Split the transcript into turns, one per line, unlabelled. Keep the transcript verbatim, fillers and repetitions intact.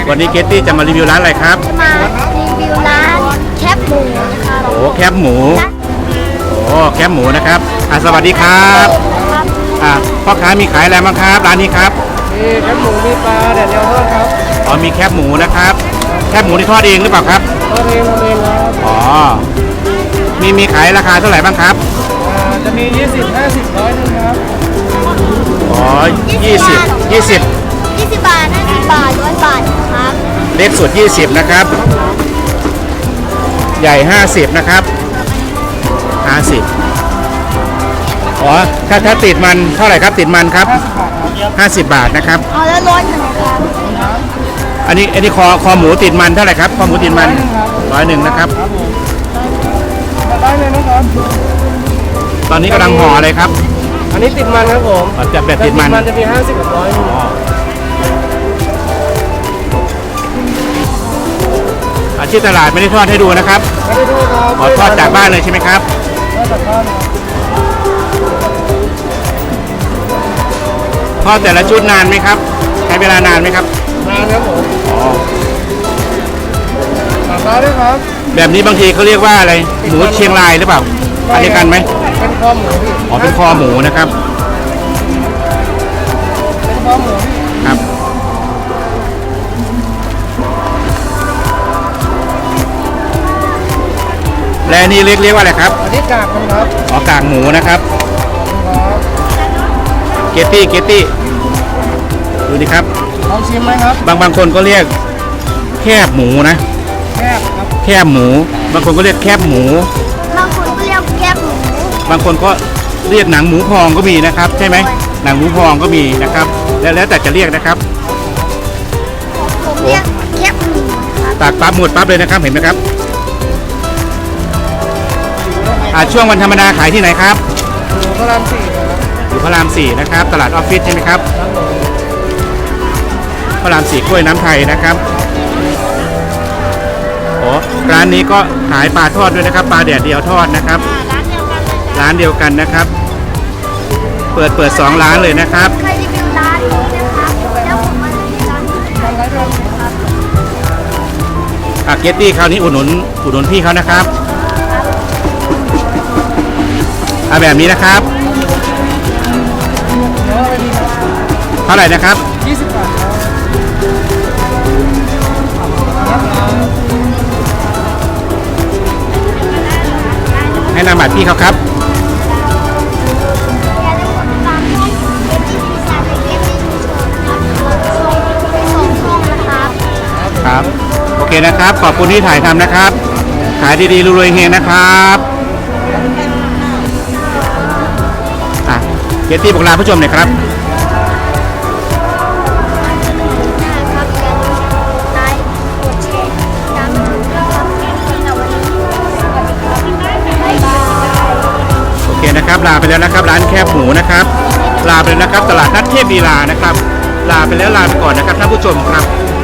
วันนี้เกตตี้จะมารีวิวร้านอะไรครับ
มารีวิวร้านแคบหมูนะครับ
โอ้แคบหมูโอ้แคบหมูนะครับอ่ะสวัสดีครับอ่ะพ่อค้ามีขายอะไรบ้างครับร้านนี้ครับ
มีแคบหมูมีปลาแดดเดียวทอดครับ
อ๋อมีแคบหมูนะครับแคบหมูที่ทอดเองหรือเปล่าครับ
ทอดเองทำเองครับ
อ๋อมีมีขายราคาเท่าไหร่บ้างครับ
อ่าจะมียี่สิบ ห้าสิบ ร้อยนึงครับ
อ๋อยี่สิบ ยี่สิบ
ยี่สิบบาทห้าสิบบาทร้อยบาทครับ
เล็กสุดยี่สิบนะครับใหญ่ห้าสิบนะครับห้าสิบอ๋อถ้าถ้าติดมันเท่าไหร่ครับติดมันครับห้าสิบบาทนะครับ
เอาแล้วร้อยหนึ่งครับ
อันนี้อันนี้คอคอหมูติดมันเท่าไหร่ครับคอหมูติดมันร้อยหนึ่งนะครับ
ได้เลยนะครับ
ตอนนี้กำลังห่ออะไรครับ
อันนี้ติดมันครับผม
จะแบบติดมัน
มันจะมีห้าสิบกับร้อย
อาชีพตลาดไม่ได้ทอดให้ดูนะครับ
ไม่ได้ดูครับ
ขอทอดจากบ้านเลยใช่ไหมครับ
ทอดจากบ้าน
ทอดแต่ละชุดนานไหมครับใช้เวลานานไหมครับ
นานครับผมอ๋อสั่งได้ด้วยครับ
แบบนี้บางทีเขาเรียกว่าอะไรหมูเชียงรายหรือเปล่าอันเดียวกันไหม
เป็นคอหมู
อ๋อเป็นคอหมูนะครับ
เป็นคอหมู
ครับและนี่เรียกเรียกว่าอะไรครับ
อันนี้กากมันครับ
อ๋อกากหมูนะครับเกตตี้เกตตี้ดูดิครับ
ลองชิมไหมครับ
บางบางคนก็เรียกแคบหมูนะ
แคบครับ
แคบหมูบางคนก็เรียกแคบหมู
บางคนก็เรียกแคบหมู
บางคนก็เรียกหนังหมูพองก็มีนะครับใช่ไหมหนังหมูพองก็มีนะครับแล้วแล้วแต่จะเรียกนะครับ
ผมเรียกแคบหมู
ตากปั๊บหมดปั๊บเลยนะครับเห็นไหมครับช่วงวันธรรมดาขายที่ไหนครับ
อยู่พระรามสี่ครับ
อยู่พระรามสี่นะครับตลาดออฟฟิศใช่ไหมครับพระรามสี่กล้วยน้ำไทยนะครับโอ้ร้านนี้ก็ขายปลาทอดด้วยนะครับปลาแดดเดียวทอดนะครับร้านเดียวกันนะครับเปิดเปิดสองร้านเลยนะครับ
เคยรีวิวร้านนี้นะครับแล้วผมมารีวิวร้านนี้ครับ
อ่ะเกตตี้คราวนี้อุดหนุนอุดหนุนพี่เขานะครับเอาแบบนี้นะครับเท่าไหร่นะครับ
ยี่สิบบาท
ให้นำบัตรพี่เขาครับครับโอเคนะครับขอบคุณที่ถ่ายทำนะครับขายดีๆรวยๆเฮงนะครับเกตตี้บอกลาผู้ชมหน่อยครับโอเคนะครับลาไปแล้วนะครับร้านแคบหมูนะครับลาไปแล้วนะครับตลาดนัดเทพลีลานะครับลาไปแล้วลาไปก่อนนะครับท่านผู้ชมครับ